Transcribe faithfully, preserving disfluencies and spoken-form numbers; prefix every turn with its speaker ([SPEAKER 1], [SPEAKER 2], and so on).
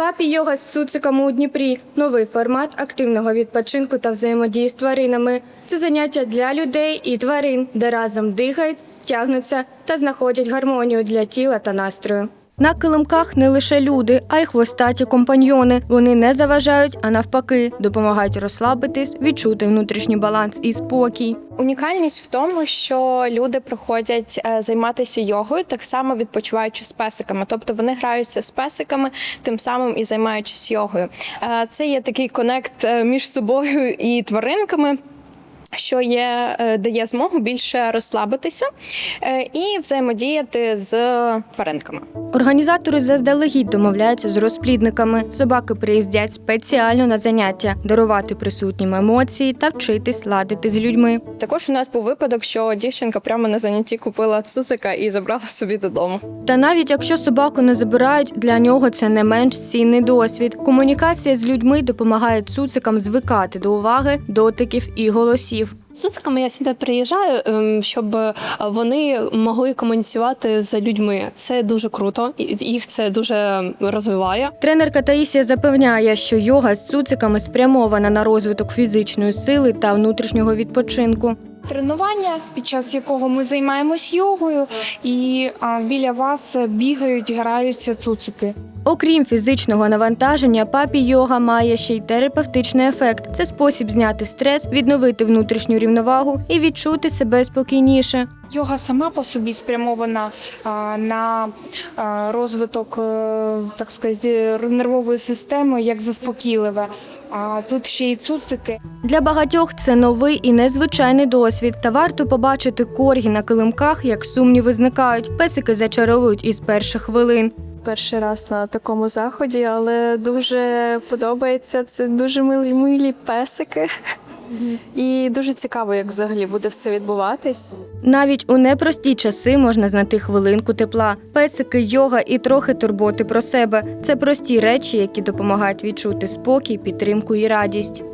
[SPEAKER 1] Папі-йога з цуциками у Дніпрі – новий формат активного відпочинку та взаємодії з тваринами. Це заняття для людей і тварин, де разом дихають, тягнуться та знаходять гармонію для тіла та настрою. На килимках не лише люди, а й хвостаті компаньйони. Вони не заважають, а навпаки, допомагають розслабитись, відчути внутрішній баланс і спокій.
[SPEAKER 2] Унікальність в тому, що люди приходять займатися йогою, так само відпочиваючи з песиками. Тобто вони граються з песиками, тим самим і займаючись йогою. Це є такий конект між собою і тваринками, що є, дає змогу більше розслабитися і взаємодіяти з тваринками.
[SPEAKER 1] Організатори заздалегідь домовляються з розплідниками. Собаки приїздять спеціально на заняття, дарувати присутнім емоції та вчитись ладити з людьми.
[SPEAKER 2] Також у нас був випадок, що дівчинка прямо на занятті купила цуцика і забрала собі додому.
[SPEAKER 1] Та навіть якщо собаку не забирають, для нього це не менш цінний досвід. Комунікація з людьми допомагає цуцикам звикати до уваги, дотиків і голосів.
[SPEAKER 3] З цуциками я сюди приїжджаю, щоб вони могли комуніцювати з людьми. Це дуже круто, їх це дуже розвиває.
[SPEAKER 1] Тренерка Таїсія запевняє, що йога з цуциками спрямована на розвиток фізичної сили та внутрішнього відпочинку.
[SPEAKER 4] Тренування, під час якого ми займаємось йогою, і а, біля вас бігають, граються цуцики.
[SPEAKER 1] Окрім фізичного навантаження, папі-йога має ще й терапевтичний ефект. Це спосіб зняти стрес, відновити внутрішню рівновагу і відчути себе спокійніше.
[SPEAKER 4] Йога сама по собі спрямована а, на а, розвиток, а, так сказати, нервової системи, як заспокійливе. А тут ще й цуцики.
[SPEAKER 1] Для багатьох це новий і незвичайний досвід. Та варто побачити коргі на килимках, як сумніви зникають. Песики зачаровують із перших хвилин.
[SPEAKER 5] Перший раз на такому заході, але дуже подобається. Це дуже милі, милі песики. І дуже цікаво, як взагалі буде все відбуватись.
[SPEAKER 1] Навіть у непрості часи можна знайти хвилинку тепла. Песики, йога і трохи турботи про себе – це прості речі, які допомагають відчути спокій, підтримку і радість.